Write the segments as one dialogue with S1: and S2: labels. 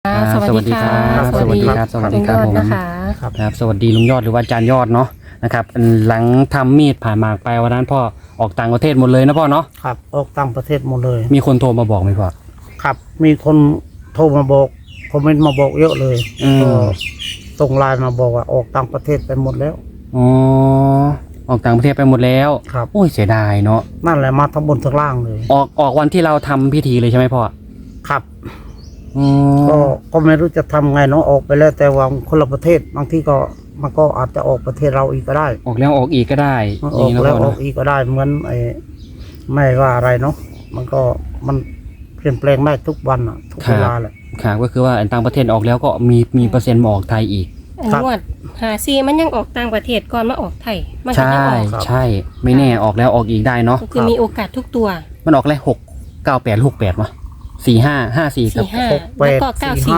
S1: สวัสดีครับสวัสดีครับสวัสดีครับผมครับสวัสดีลุงยอดหรือว่าอาจารย์ยอดเนาะนะครับหลังทำมีดผ่าหมากไปวันนั้นพ่อออกต่างประเทศหมดเลยนะพ่อเนาะ
S2: ครับออกต่างประเทศหมดเลย
S1: มีคนโทรมาบอกไหมพ่อ
S2: ครับมีคนโทรมาบอกคอมเมนต์มาบอกเยอะเลยก็ส่งไลน์มาบอกว่าออกต่างประเทศไปหมดแล้ว
S1: อ๋อออกต่างประเทศไปหมดแล้ว
S2: ครับ
S1: โอ้ยเสียดายเนาะ
S2: นั่นแหละมาทั้งบนทั้งล่างเลย
S1: ออกวันที่เราทำพิธีเลยใช่ไหมพ่อ
S2: ครับก็ไม่รู้จะทำไงเนาะออกไปแล้วแต่ว่าคนละประเทศบางที่ก็มันก็อาจจะออกประเทศเราอีกก็ได้
S1: ออกแล้วออกอีกก็ได้
S2: ออกแล้วออกอีกก็ได้เหมือนไม่ว่าอะไรเนาะมันเปลี่ยนแปลงได้ทุกวันอ่ะทุกเวลาแหละ
S1: ครับก็คือว่าต่างประเทศออกแล้วก็มีเปอร์เซ็นต์มาออกไทยอีก
S3: งวด54มันยังออกต่างประเทศก่อนมาออกไทยมัน
S1: ก็ยังออกใช่ไม่แน่ออกแล้วออกอีกได้เนาะ
S3: คือมีโอกาสทุกตัว
S1: มันออกแล้ว69868วะ4554กับ
S2: 68
S3: ก็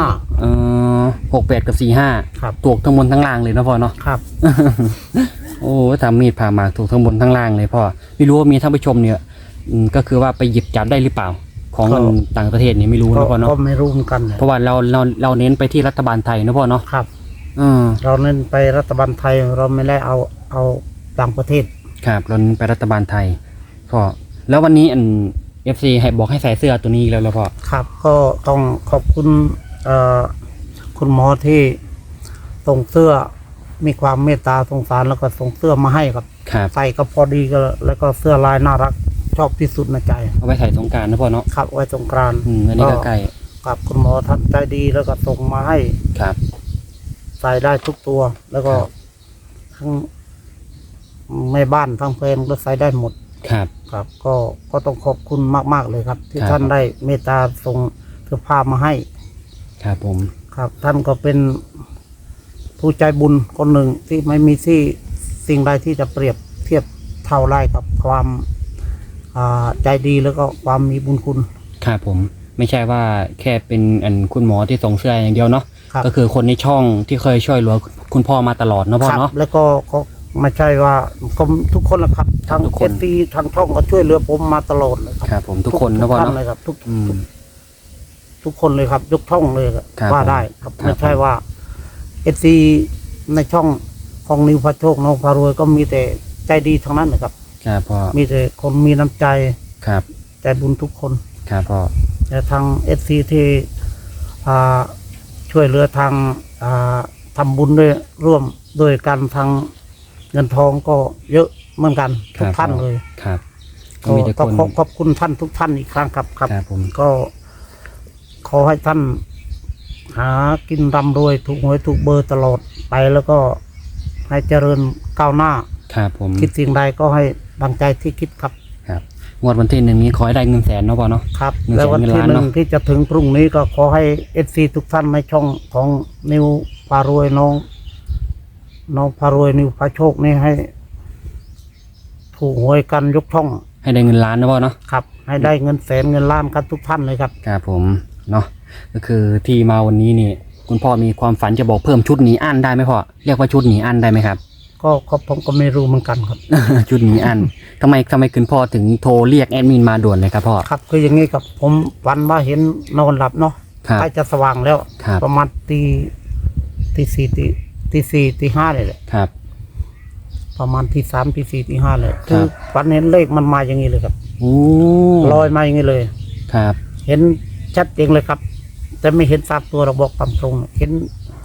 S3: 94
S1: 68กับ45ถูกทั้งบนทั้งล่างเลยนะพ่อเนาะ
S2: ครับ
S1: โอ้ทำมีดผ่าหมากถูกทั้งบนทั้งล่างเลยพ่อไม่รู้ว่ามีท่านผู้ชมเนี่ยก็คือว่าไปหยิบจับได้หรือเปล่าของต่างประเทศนี่ไม่รู้นะพ่อเนาะ
S2: ก็ไม่รู้เหมือนกัน
S1: เพราะว่าเราเน้นไปที่รัฐบาลไทยนะพ่อเนาะ
S2: ครับเราเน้นไปรัฐบาลไทยเราไม่ได้เอาต่างประเทศ
S1: ครับเราเน้นไปรัฐบาลไทยพ่อแล้ววันนี้FC ให้บอกให้ใส่เสื้อตัวนี้แล้วพ่อ
S2: ครับก็ต้องขอบคุณคุณหมอที่ส่งเสื้อมีความเมตตาสงสารแล้วก็ส่งเสื้อมาให้ครับใส่ก็พอดีก็แล้วก็เสื้อลายน่ารักชอบที่สุดในใจ
S1: เอาไว้ใส่สงกรานต์นะพ่อเนาะ
S2: ครับไว้สงกรานต์
S1: อันนี้ก็ใกล้
S2: ครับคุณหมอท่านใจดีแล้วก็ส่งมาให้
S1: ครับ
S2: ใส่ได้ทุกตัวแล้วก็ทั้งแม่บ้านทั้งแฟนก็ใส่ได้หมดครับก็ต้องขอบคุณมากๆเลยครับที่ท่านได้เมตตาส่งเสื้อผ้ามาให้
S1: ครับผม
S2: ครับท่านก็เป็นผู้ใจบุญคนหนึ่งที่ไม่มีที่สิ่งใดที่จะเปรียบเทียบเท่าไรกับความใจดีแล้วก็ความมีบุญคุณ
S1: ครับผมไม่ใช่ว่าแค่เป็นคุณหมอที่ส่งเสื้ออย่างเดียวเนาะก็คือคนในช่องที่เคยช่วยเหลือคุณพ่อมาตลอดเนาะพ่อเนาะ
S2: แล้วก็ไม่ใช่ว่าทุกคนละครับทั้งเอฟซีทั้งช่องก็ช่วยเหลือผมมาตลอดเลย
S1: ครับผมทุกคนนะพ่อเนาะ
S2: เลยครับทุกคนเลยครับยกช่องเลยว่าได้ครับไม่ใช่ว่าเอฟซีในช่องของนิวพระโชคน้องพารวยก็มีแต่ใจดีทั้งนั้นเลยครับ
S1: ครับพ่อ
S2: มีแต่คนมีน้ำใจ
S1: ครับ
S2: ใจบุญทุกคน
S1: ครับพ่อ
S2: แต่ทางเอฟซีที่ช่วยเหลือทางทำบุญด้วยร่วมโดยการทางเงินทองก็เยอะเหมือนกันทุกท่านเลย
S1: ครับ
S2: ก็ต้องขอบคุณท่านทุกท่านอีกครั้งครับ
S1: ผม
S2: ก็ขอให้ท่านหากินร่ำรวยถูกหวยถูกเบอร์ตลอดไปแล้วก็ให้เจริญก้าวหน้า
S1: ครับผม
S2: คิดสิ่งใดก็ให้ดังใจที่คิดครับ
S1: งวดวันที่1นี้ขอให้ได้เงินแสนเนาะพ่อเนาะ
S2: ครับแล้ววันที่1ที่จะถึงพรุ่งนี้ก็ขอให้FCทุกท่านในช่องของนิวพารวยน้องพารวยนิวพาโชคนี่ให้ถูกหวยกันยกช่อง
S1: ให้ได้เงินล้านนะพ่อเนาะ
S2: ครับให้ได้เงินแสนเงินล้านกันทุกท่านเลยครับ
S1: ครับผมเนาะก็คือที่มาวันนี้นี่คุณพ่อมีความฝันจะบอกเพิ่มชุดหนีอั้นได้ไหมพ่อเรียกว่าชุดหนีอั้นได้ไหมครับ
S2: ก็ผมก็ไม่รู้เหมือนกันครับ
S1: ชุดหนีอั้นทำไมคุณพ่อถึงโทรเรียกแอดมินมาด่วนเลยครับพ่อ
S2: ครับคืออย่างนี้ครับผมฝันว่าเห็นนอนหลับเนาะใกล้จะสว่างแล้วประมาณตีสี่ตีห้าเลยแหละ
S1: ครับ
S2: ประมาณตี3ตี4ตี5เลยคือฝันเห็นเลขมันมาอย่างนี้เลยครับลอยมาอย่างนี้เลย
S1: ครับ
S2: เห็นชัดเจนเลยครับแต่ไม่เห็น3ตัวเราบอกตามตรงเห็น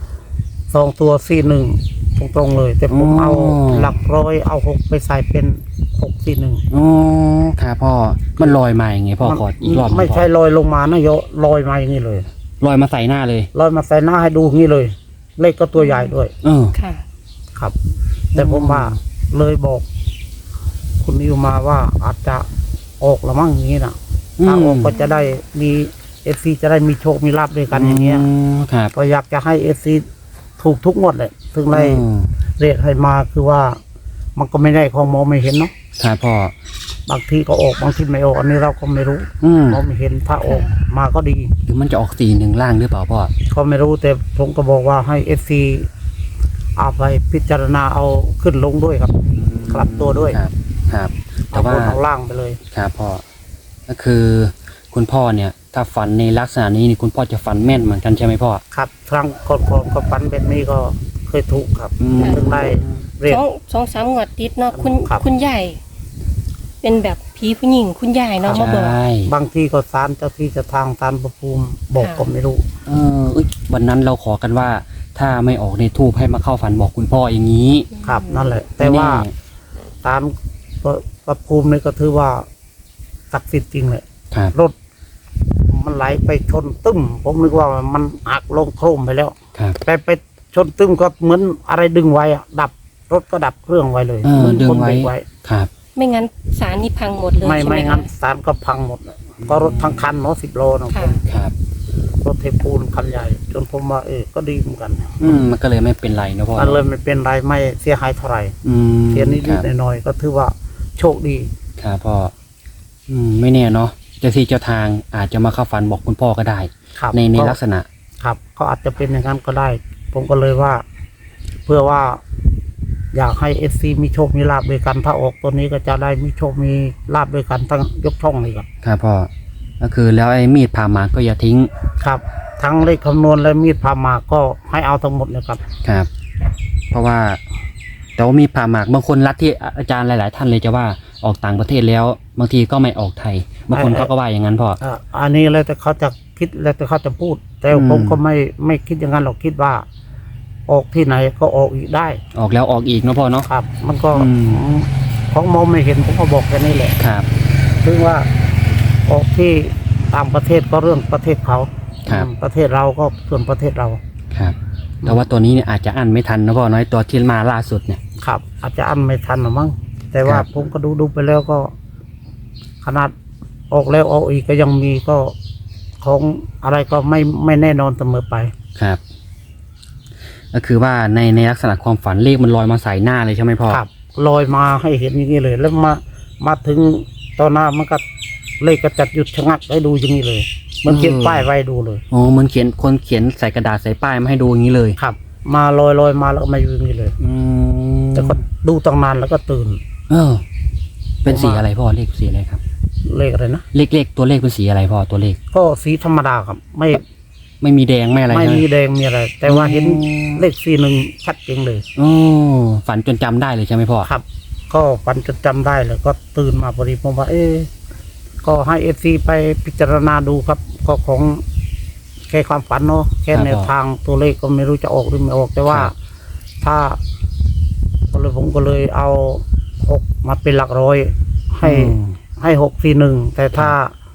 S2: 2ตัว41ตรงเลยแต่ผมเอาหลักร้อยเอา6ไปใส่เป็น641
S1: อ๋อครับพ่อมันลอยมาอย่างไงพ่อขออีกรอบ
S2: ไม่ใช่ลอยลงมานะโยลอยมาอย่างนี้เลย
S1: ลอยมาใส่หน้าเลย
S2: ลอยมาใส่หน้าให้ดูอย่างนี้เลยเลขก็ตัวใหญ่ด้วย
S3: ค่ะ
S2: ครับแต่ผมว่าเลยบอกคุณนิวมาว่าอาจจะออกละมั่งอย่างนี้นะถ้าออกก็จะได้มีเอฟซีจะได้มีโชคมีลาภด้วยกันอย่างเงี้ยก็อยากจะให้เอฟซีถูกทุกงวดเลยซึ่งในเรียกให้มาคือว่ามันก็ไม่ได้ของมองไม่เห็นเนาะ
S1: ครับพ่อบ
S2: างทีก็ออกบางทีไม่ออกอันนี้เราก็ไม่รู้มองไม่เห็นถ้าออกมาก็ดี
S1: หรือมันจะออก41ล่างหรือเปล่าพ่อ
S2: ก็ไม่รู้แต่ผมก็บอกว่าให้เอฟซีเอาไปพิจารณาเอาขึ้นลงด้วยครับกลับตัวด้วย
S1: ครับแต่ว่า
S2: เอาล่างไปเลย
S1: ครับพ่อก็คือคุณพ่อเนี่ยถ้าฝันในลักษณะนี้นี่คุณพ่อจะฝันแม่นเหมือนกันใช่ไหมพ่อ
S2: ครับครั้งก่อนๆก็ฝันแบบนี้ก็เคยถูกครับ
S1: อืม
S2: ถึงได้เรียก
S3: สองสามงวดติดเนาะคุณ
S2: ครับ
S3: คุณยายเป็นแบบผีผู้หญิงคุณยายเนาะมาบอก
S1: ใช่
S2: บางทีก็ศาลเจ้าที่เจะทางศาลพระภูมิบอก
S3: ค่ะ
S2: ก็ไม่รู้
S1: วันนั้นเราขอกันว่า ถ้าไม่ออกในทูบให้มาเข้าฝันบอกคุณพ่ออย่างนี้
S2: ครับนั่นแหละ แต่ว่า
S1: ไม่แน่
S2: ศาลพระภูมินี่ก็ถือว่าศักดิ์สิทธิ์จริงเลย
S1: ครับ
S2: รถมันไหลไปชนตึ้มผมนึกว่ามันหักลงโครมไปแล้ว
S1: ครับ
S2: ไปชนตึ้มก็เหมือนอะไรดึงไว้อะดับรถก็ดับเครื่องไว้เลย
S1: เออ
S2: เหมือน
S1: ดึง
S2: คน
S1: ไว้
S2: เบรกไว้
S1: ครับ
S3: ไม่งั้นสารนี่พังหมดเลย
S2: ไม่
S3: ใช่ไหม
S2: ไม่
S3: คะ
S2: งั้นศาลก็พังหมดเลยก็รถทั้งคันเนาะ10 โลนะ
S3: ค่ะ
S1: ครับ
S2: รถเทปูนคันใหญ่ จนผมว่าก็ดีเหมือนกัน
S1: มันก็เลยไม่เป็นไรนะพ่อ
S2: มันเลยไม่เป็นไรไม่เสียหายเท่าไหร่
S1: อืม
S2: เสียนิด
S1: ครับ
S2: ๆหน่อยๆก็ถือว่าโชคดี
S1: ครับพ่อไม่แน่เนาะเจ้าที่เจ้าทางอาจจะมาเข้าฝันบอกคุณพ่อก็ได้
S2: ครับ
S1: ใน
S2: ก็
S1: ลักษณะ
S2: ครับก็อาจจะเป็นอย่างนั้นก็ได้ ผมก็เลยว่า เพื่อว่า อยากให้FCมีโชคมีลาบด้วยกัน ถ้าออกตัวนี้ก็จะได้มีโชคมีลาบด้วยกันทั้งยกช่องเลยครับ
S1: ครับพ่อก็คือแล้วไอ้มีดผ่าหมากก็อย่าทิ้ง
S2: ครับ ทั้งเลขคำนวณและมีดพามาก็ให้เอาทั้งหมดเลยครับ
S1: ครับ เพราะว่าแต่ว่ามีผ่าหมากบางคนรัดที่อาจารย์หลาย ๆ ท่านเลยจะว่าออกต่างประเทศแล้ว บางทีก็ไม่ออกไทยบางคนเขาก็ว่าอย่างนั้นพ่อ
S2: อันนี้แล้วแต่เขาจะคิดแล้วแต่เขาจะพูด แต่
S1: อืม
S2: ผมก็ไม่คิดอย่างนั้นหรอกคิดว่า ออกที่ไหนก็ออกอีกได้
S1: ออกแล้วออกอีกเนาะพ่อเนาะ
S2: ครับ มันก็
S1: อืม
S2: ของมองไม่เห็นผมก็บอกแค่นี้แหละ
S1: ครับ
S2: ถึงว่าออกที่ต่างประเทศก็เรื่องประเทศเขา
S1: ครับ
S2: ประเทศเราก็ส่วนประเทศเรา
S1: ครับแต่ว่าตัวนี้เนี่ยอาจจะอั้นไม่ทันนะพ่อน้อยตัวที่มาล่าสุดเนี่ย
S2: ครับ อาจจะอันไม่ทันหรอมั้งแต่ว่า
S1: ครับ
S2: ผมก็ดูไปแล้วก็ ขนาดออกแล้วออกอีกก็ยังมีก็ของอะไรก็ไม่แน่นอนเสมอไป
S1: ครับ ก็คือว่าในลักษณะความฝันเลขมันลอยมาใส่หน้าเลยใช่ไหมพ่อ
S2: ครับลอยมาให้เห็นอย่างนี้เลย แล้วมาถึงตอนหน้ามันก็เลขก็จัดหยุดชะงักให้ดูอย่างนี้เลย มันเขียนป้ายไว้ดูเลย
S1: โอ้มันคนเขียนใส่กระดาษใส่ป้ายมาให้ดูอย่างนี้เลย
S2: ครับ มาลอยมาแล้วก็มาอยู่อย่างนี้เลย
S1: อืม
S2: แต่ก็ดูตั้งนานแล้วก็ตื่น
S1: เป็นสีอะไรพ่อเลขสีอะไรครับ
S2: เลขอะไรนะ
S1: เลขตัวเลขเป็นสีอะไรพ่อตัวเลข
S2: ก็สีธรรมดาครับ
S1: ไม่มีแดงไม่อะไร
S2: ไม่
S1: ใช่ไห
S2: มีแดงมีอะไร แต่ว่าเห็น
S1: อืม
S2: เลข41ชัดเจนเลย
S1: โอ้ฝันจนจำได้เลยใช่ไหมพ่อ
S2: ครับ ก็ฝันจนจำได้เลยก็ตื่นมาพอดีผมว่า ก็ให้FCไปพิจารณาดูครับ ก็ของแค่ความฝันเนาะแค่แนวทางตัวเลขก็ไม่รู้จะออกหรือไม่ออก แต่ว่า ถ้าผมก็เลยเอา6มาเป็นหลักร้อย ให้641แต่ถ้า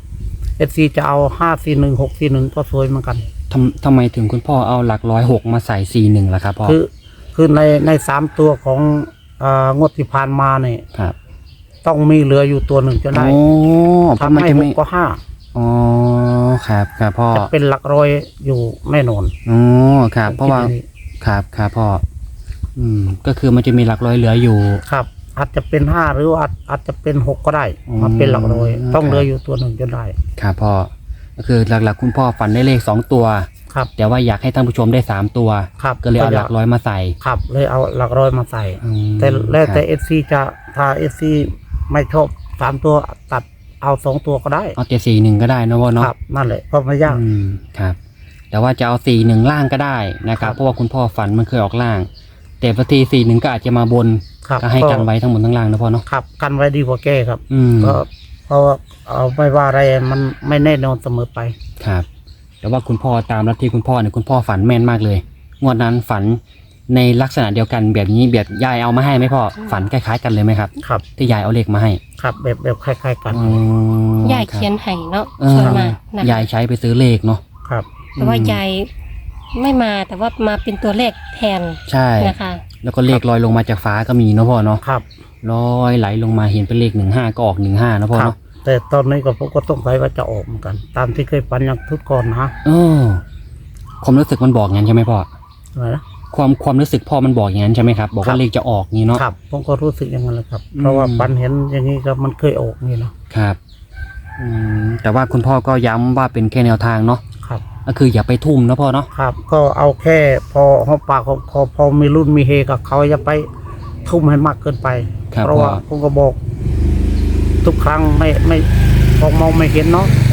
S2: FC จะเอา541 641ก็สวยเหมือนกัน
S1: ทำไมถึงคุณพ่อเอาหลักร้อย6มาใส่41ล่ะครับพ่อ
S2: คือใน3ตัวของงวดที่ผ่านมาเนี่ย
S1: ครับ
S2: ต้องมีเหลืออยู่ตัวหนึ่งจะได้
S1: โอ้เพราะ
S2: ทำ
S1: มัน
S2: ให้
S1: จะ
S2: ห
S1: ไม่
S2: กก็ห้า
S1: อ๋อครับพ่อ
S2: จะเป็นหลักร้อยอยู่แน่นอน
S1: อ๋อครับ เพราะว่า
S2: ผมคิดอย่งนี้
S1: ครับพ่อก็คือมันจะมีหลักร้อยเหลืออยู่
S2: ครับ อาจจะเป็น5หรือว่าอาจจะเป็น6ก็ได้
S1: อืม
S2: มาเป็นหลักร้อย ต้อง
S1: ครับ
S2: เหลืออยู่ตัวหนึ่งจะได้
S1: ครับพ่อก็คือหลักๆคุณพ่อฝันได้เลข2ตัว
S2: ครับ
S1: แต่ว่าอยากให้ท่านผู้ชมได้3ตัว
S2: ครับ
S1: ก็เลยเอาหลักร้อยมาใส่
S2: ครับเลยเอาหลักร้อยมาใส่
S1: อืม
S2: แต่แล้วแต่
S1: ครับ
S2: FC จะถ้า FC ไม่ชอบ3ตัวตัดเอา2ตัวก็ได้
S1: เอาแต่41ก็ได้นะพ่อเนาะ
S2: ครับ นั่นแหละก็ไม่ยาก
S1: ครับ แต่ว่าจะเอา41ล่างก็ได้นะครั
S2: ครับ
S1: บเพราะว่าคุณพ่อฝันมันเคยออกล่าง แต่บางที41ก็อาจจะมาบน
S2: ครับ
S1: ก็ให้กันไว้ทั้งบนทั้งล่างนะพ่อเนาะ
S2: ครับกันไว้ดีกว่าแก้ครับ
S1: อืม
S2: ก็เพราะว่าเอาไม่ว่าอะไรมันไม่แน่นอนเสมอไป
S1: ครับ แต่ว่าคุณพ่อตามลัทธิคุณพ่อเนี่ยคุณพ่อฝันแม่นมากเลยงวดนั้นฝันในลักษณะเดียวกันแบบนี้แบบยายเอามาให้ไหมพ่อฝันคล้ายๆกันเลยไหมครับ
S2: ครับ
S1: ที่ยายเอาเลขมาให้
S2: ครับแบบคล้ายๆกัน
S3: ยายเขียนให้เนาะ
S1: เออ
S3: ส่วนมากนะ
S1: ยายใช้ไปซื้อเลขเนาะ
S2: ครับ
S3: แต่ว่ายายไม่มาแต่ว่ามาเป็นตัวเลขแทน
S1: ใช่
S3: นะคะ
S1: แล้วก็เลขลอยลงมาจากฟ้าก็มีเนาะพ่อเนาะ
S2: ครับ
S1: ลอยไหลลงมาเห็นเป็นเลข15ก็ออก15นะพ่อ
S2: ครับ
S1: เนาะ
S2: แต่ตอนนี้ก็ผมก็ต้องใส่ว่าจะออกเหมือนกัน ตามที่เคยฝันอย่างทุกก่อนนะ
S1: เออความรู้สึกมันบอกงั้นใช่ไหมพ่อ
S2: อะไรนะ
S1: ความรู้สึกพ่อมันบอกอย่างนั้นใช่ไหมครับบอก
S2: ครั
S1: ว่า
S2: บ
S1: เลขจะออกงี้เนาะ
S2: ครับผมก็รู้สึกอย่างนั้นเลยครับ
S1: อืม
S2: เพราะว่าฝันเห็นอย่างนี้ก็มันเคยออกนี่เนาะ
S1: ครับแต่ว่าคุณพ่อก็ย้ำว่าเป็นแค่แนวทางเนาะ
S2: ครับ
S1: ก็คืออย่าไปทุ่มนะพ่อเนาะ
S2: ครับ ก็เอาแค่พอหอมปากของพอมีรุ่นมีเฮกับเขาอย่าไปทุ่มให้มากเกินไป
S1: ครับ
S2: เพราะว่า
S1: พ่อ
S2: ผมก็บอก ทุกครั้งไม่มองไม่เห็นเนาะ
S1: ครับ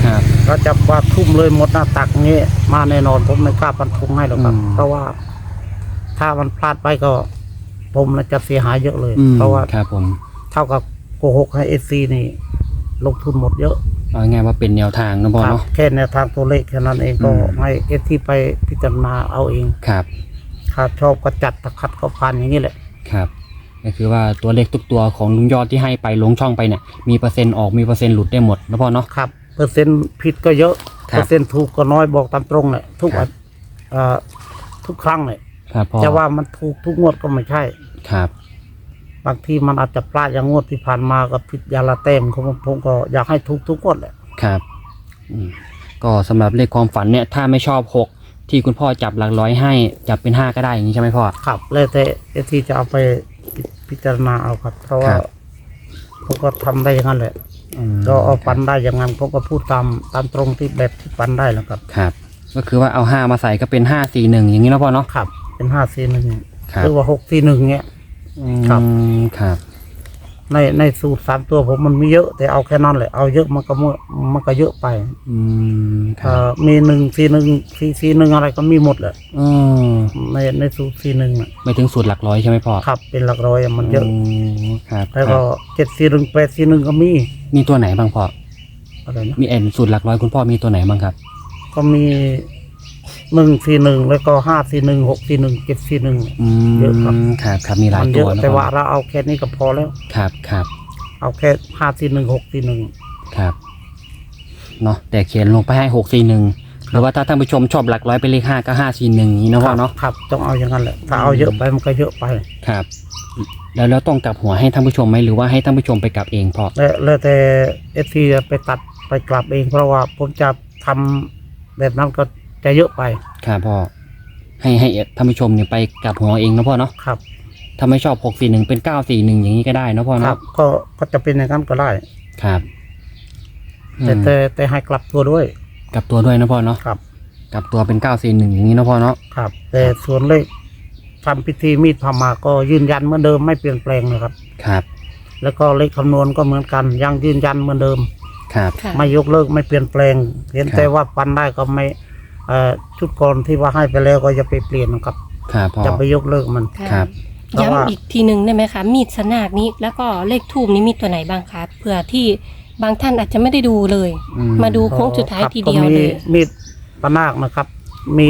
S2: เราจะว่าทุ่มเลยหมดหน้าตักงี้มาแน่นอนผมไม่กล้าฟันธงให้หรอกครับ เพราะว่าถ้ามันพลาดไปก็ผมจะเสียหายเยอะเลย เพราะว่า
S1: ครับผม
S2: เท่ากับโกหกให้FCนี่ลงทุนหมดเยอะ
S1: เอาง่ายว่าเป็นแนวทางนะพ่อ
S2: ครับ
S1: เนาะ
S2: แค่แนวทางตัวเลขแค่นั้นเองก็ให้FCไปพิจารณาเอาเอง
S1: ครับ
S2: ถ้าชอบก็จัดถ้าขัดก็ผ่านอย่างนี้แหละ
S1: ครับก็คือว่าตัวเลขทุกตัวของลุงยอดที่ให้ไปลงช่องไปเนี่ยมีเปอร์เซ็นต์ออกมีเปอร์เซ็นต์หลุดได้หมดนะพ่อเนาะ
S2: ครับเปอร์เซ็นต์ผิดก็เยอะ
S1: ครับ
S2: เปอร์เซ็นต์ถูกก็น้อยบอกตามตรงเลยทุก
S1: ครับ
S2: ทุกครั้งเลย
S1: ครับพ่อ
S2: จะว่ามันถูกทุกงวดก็ไม่ใช่
S1: ครับ
S2: บางทีมันอาจจะพลาดอย่างงวดที่ผ่านมากับผิดยาละเต็มผมก็อยากให้ถูกทุกงวดแหละ
S1: ครับก็สำหรับเลขความฝันเนี่ยถ้าไม่ชอบ6ที่คุณพ่อจับหลักร้อยให้จับเป็น5ก็ได้อย่างนี้ใช่ไหมพ่อ
S2: ครับแล้วแต่ที่จะเอาไปพิจารณาเอาครับ เพราะว่า
S1: ครับ
S2: ผมก็ทำได้อย่างนั้นแหละ ก็เอาปันได้อย่างนั้นผมก็พูดตามตรงที่แบบที่ปันได้แล้วครับ
S1: ครับ ก็คือว่าเอา5มาใส่ก็เป็น541อย่างนี้แล้วพ่อเนาะ
S2: ครับเป็น541
S1: ครับ
S2: หรือว่า641เงี้ย ครับ
S1: ครับ
S2: ในสูตร3ตัวผมมันมีเยอะแต่เอาแค่นั้นแหละเอาเยอะมันก็เยอะไป
S1: ครับ
S2: มี141อะไรก็มีหมดแหละ
S1: อืม
S2: ในสูตร41น่ะ
S1: ไม่ถึงสูตรหลักร้อยใช่ไหมพ่อ
S2: ครับเป็นหลักร้อยอะมันเยอะ
S1: ครับ
S2: แล้วก็741 841ก็มี
S1: มีตัวไหนบ้างพ่อ
S2: อะไรนะ
S1: มีสูตรหลักร้อยคุณพ่อมีตัวไหนบ้างครับ
S2: ก็มี141แล้วก็541 641 741 เยอะครับ
S1: ครับครับมีหลาย
S2: มันเย
S1: ตัว
S2: อะ
S1: นะ
S2: แต่
S1: พ่อ
S2: ว่าเราเอาแค่นี้ก็พอแล้ว
S1: ครับครับ
S2: เอาแค่541 641
S1: ครับเนาะแต่เขียนลงไปให้641หรือว่าถ้าท่านผู้ชมชอบหลักร้อยเป็นเลข5ก็541อย่างนี้นะพ่อเนาะ
S2: ครับต้องเอาอย่างนั้นแหละถ้าเอาเยอะไปมันก็เยอะไป
S1: ครับ แล้วต้องกลับหัวให้ท่านผู้ชมไหมหรือว่าให้ท่านผู้ชมไปกลับเองพ่อ
S2: แล้วแต่FCไปตัดไปกลับเองเพราะว่าผมจะทำแบบนั้นก็จะเยอะไป
S1: ครับพ่อให้ท่านผู้ชมเนี่ยไปกลับหัวเองนะพ่อเนาะ
S2: ครับ
S1: ถ้าไม่ชอบ641เป็น941อย่างนี้ก็ได้นะพ่อ
S2: ครั
S1: เนาะ
S2: บก็จะเป็นอย่างนั้นก็ได้
S1: ครับ
S2: แต่ให้กลับตัวด้วย
S1: กลับตัวด้วยนะพ่อเนาะ
S2: ครับ
S1: กลับตัวเป็น941อย่างนี้นะพ่อเนาะ
S2: ครับ แต่ส่วนเลขทำพิธีมีดพามาก็ยืนยันเหมือนเดิมไม่เปลี่ยนแปลงนะครับ
S1: ครับ
S2: แล้วก็เลขคำนวณก็เหมือนกันยังยืนยันเหมือนเดิม
S1: ครับ
S3: ค่ะ
S2: ไม่ยกเลิกไม่เปลี่ยนแปลง เห็น
S1: ครับ
S2: แต่ว่าปันได้ก็ไม่ชุดก่อนที่ว่าให้ไปแล้วก็จะไปเปลี่ยนนะครับ
S1: ครับพ่อ
S2: จะไปยกเลิกมัน
S3: ค่ะ
S1: ครับ
S2: เพราะว่า
S3: ย้ำอีกทีหนึ่งได้ไหมคะ มีดสนากนี้แล้วก็เลขทูบนี้มีตัวไหนบ้างคะเผื่อที่บางท่านอาจจะไม่ได้ดูเลย มาดูโค้งสุดท้ายทีเดียว
S2: ก็
S3: เล
S2: มี
S3: ย
S2: มีดปะนาคนะครับ มี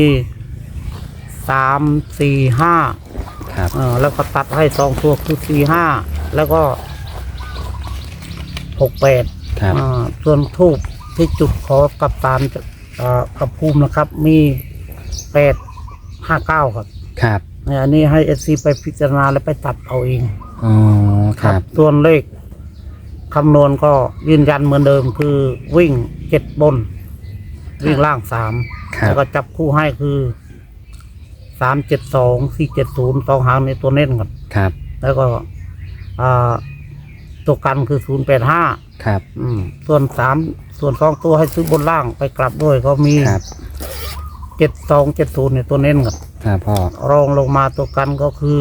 S2: 3 4 5
S1: ครับ
S2: แล้วก็ตัดให้2ตัวคือ4 5แล้วก็6 8
S1: ครับ
S2: ส่วนทูบที่จุดขอกับตาลกับภูมินะครับ มี8 5 9ครับ
S1: ครับ
S2: อันนี้ให้SCไปพิจารณาและไปตัดเอาเอง
S1: อ๋อครับ
S2: ส่วนเลขคำนวณก็ยืนยันเหมือนเดิมคือวิ่ง7บน วิ่งล่าง3
S1: ครับ
S2: แล้วก็จับคู่ให้คือ372 470 2 หางในตัวเน้นครับ
S1: ครับ
S2: แล้วก็ตัวกันคือ085
S1: ครับ
S2: ส่วน2ตัวให้ซื้อบนล่างไปกลับด้วยก็มี
S1: ครับ
S2: 7270ในตัวเน้นครับ
S1: ครับพ่อ
S2: รองลงมาตัวกันก็คือ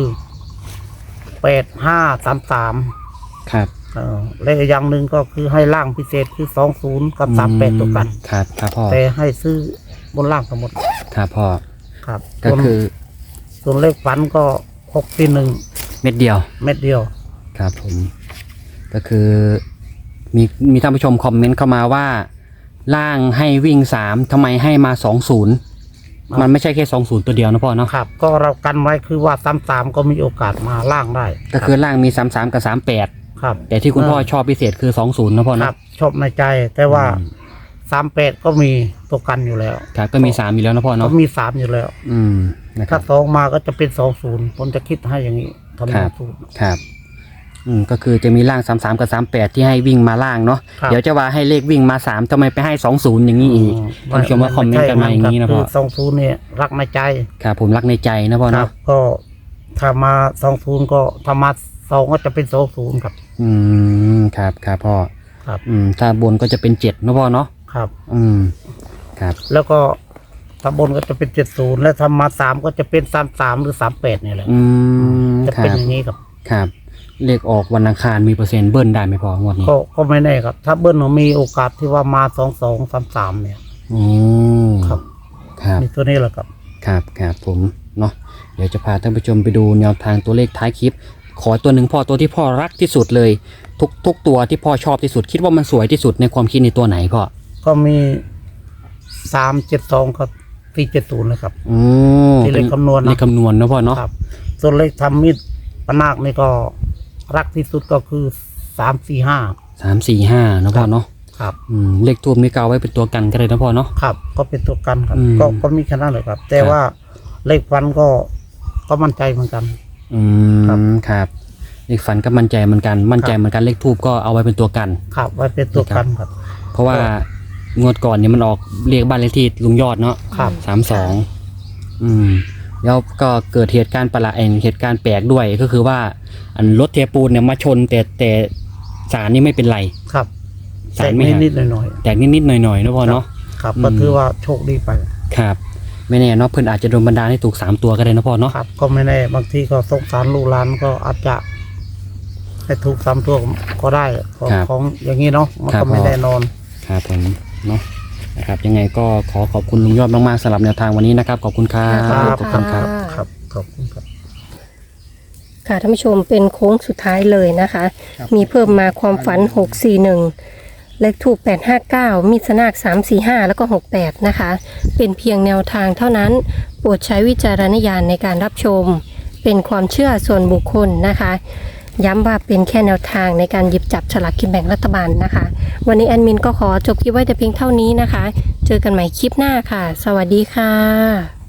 S2: 8533
S1: ครับ
S2: และอีกอย่างหนึ่งก็คือให้ล่างพิเศษคือ20กับ38ตัวกัน
S1: ครับครับพ่อ
S2: แต่ให้ซื้อบนล่างทั้งหมด
S1: ครับพ่อ
S2: ครับ
S1: ก็คือ
S2: ส่วนเลขฝันก็641
S1: เม็ดเดียว
S2: เม็ดเดียว
S1: ครับผม ก็คือมีท่านผู้ชมคอมเมนต์เข้ามาว่า ล่างให้วิ่ง3ทำไมให้มา20มันไม่ใช่แค่20ตัวเดียวนะพ่อเนาะ
S2: ครับ ก็เรากันไว้คือว่า33ก็มีโอกาสมาล่างได้
S1: ก็คือล่างมี33กับ38
S2: ครับ
S1: แต่ที่คุณพ่อชอบพิเศษคือ20นะพ่อ
S2: ครั
S1: เนาะ
S2: บชอบในใจ แต่ว่า38ก็มีตัวกันอยู่แล้ว
S1: ครับก็มี3อยู่แล้วนะพ่อ
S2: ก็
S1: เนาะ
S2: มี3อยู่แล้ว
S1: นะค
S2: ถ้า
S1: รับ
S2: 2มาก็จะเป็น20ผมจะคิดให้อย่างนี้ทำ
S1: ครั
S2: ให้
S1: บ
S2: สูตร
S1: ครับก็คือจะมีล่าง33กับ38ที่ให้วิ่งมาล่างเนาะ
S2: ครับ
S1: เดี๋ยวจะว่าให้เลขวิ่งมา3ทำไมไปให้20อย่างนี้อีกท่านผู้ชมว่าคอมเมนต์กันมาอย่างนี้นะพ่อ
S2: คือ20เนี่ยรักในใจ
S1: ครับผมรักในใจนะพ่อ
S2: ครั
S1: เนาะ
S2: บก็ถ้ามา20ก็ถ้ามา2ก็จะเป็น20ครับ
S1: ครับครับพ่อ
S2: ครับ
S1: ถ้าบนก็จะเป็น7นะพ่อเนาะ
S2: ครับ
S1: ครับ
S2: แล้วก็ถ้าบนก็จะเป็น70และถ้ามา3ก็จะเป็น33หรือ38นี่แหละ
S1: ค
S2: จะ
S1: รั
S2: เป็น
S1: บ
S2: อย่างนี้ครับ
S1: ครับเลขออกวันอังคารมีเปอร์เซ็นต์เบิ้ลได้ไหมพ่องวดนี้
S2: ก็ไม่แน่ครับ ถ้าเบิ้ลมีโอกาสที่ว่ามา2233เนี่ย
S1: อืม
S2: ครับ
S1: ครับ
S2: มีตัวนี้แหละครับ
S1: ครับผมเนาะเดี๋ยวจะพาท่านผู้ชมไปดูแนวทางตัวเลขท้ายคลิป ขอตัวหนึ่งพ่อตัวที่พ่อรักที่สุดเลย ทุกตัวที่พ่อชอบที่สุดคิดว่ามันสวยที่สุดในความคิดในตัวไหนพ่อ
S2: ก็มี372ครับ470เลยครับ
S1: อืม
S2: ที่เลขคำนวณนะ
S1: เลขคำนวณนะพ่อเนาะ
S2: ครับ ส่วนเลขทำมิดปนาคนี่ก็รักที่สุดก็คือ345
S1: 3 4 5นะพ่อเนาะ
S2: ครับ
S1: เลขทูบนี่ก็เอาไว้เป็นตัวกันก็ได้นะพ่อเนาะ
S2: ครับก็เป็นตัวกันครับ
S1: อืม
S2: ก็มีแค่นั้นเลยครับ แต่
S1: ครับ
S2: ว่าเลขฟันก็มั่นใจเหมือนกัน ครับ
S1: ครับเลขฝันก็มั่นใจเหมือนกันมั่นใจเหมือนกันเลขทูบก็เอาไว้เป็นตัวกัน
S2: ครับไว้เป็นตัวกันครับ
S1: เพราะว่างวดก่อนเนี่ยมันออกเลขบ้านเลขที่ลุงยอดเนาะ
S2: ครับ
S1: 32แล้วก็เกิดเหตุการณ์ประหลาดเหตุการณ์แปลกด้วยก็คือว่าอันรถเทปูนเนี่ยมาชนแต่สารนี่ไม่เป็นไร
S2: ครับ
S1: สารไม่หัก
S2: นิดๆหน่อย
S1: แตกนิดๆหน่อยๆนะพ่อเนาะ
S2: ๆครับก็ถือว่าโชคดีไป
S1: ครับไม่แน่เนาะเพื่อนอาจจะโดนบันดาลให้ถูก3ตัวก็ได้นะพ่อเนาะ
S2: ครับ ก็ไม่แน่บางทีก็สงสารลูกหลานก็อาจจะให้ถูก3ตัวก็ได้ของอย่างนี้เนาะมันก็ไม่แน่นอน
S1: ครับผมเนาะนะครับยังไงก็ขอบคุณลุงยอดมากๆสำหรับแนวทางวันนี้นะครับขอบคุณครับ
S2: ครับ
S1: ขอบคุณครับ
S2: ครับขอบคุณครับ
S3: ค่ะท่านผู้ชมเป็นโค้งสุดท้ายเลยนะคะ มีเพิ่มมาความฝัน 641 เลขถูก 859 มีดสนาก 345 แล้วก็ 68 นะคะ เป็นเพียงแนวทางเท่านั้น โปรดใช้วิจารณญาณในการรับชม เป็นความเชื่อส่วนบุคคลนะคะ ย้ำว่าเป็นแค่แนวทางในการหยิบจับฉลากกินแบ่งรัฐบาลนะคะ วันนี้แอดมินก็ขอจบคลิปไว้แต่เพียงเท่านี้นะคะ เจอกันใหม่คลิปหน้าค่ะ สวัสดีค่ะ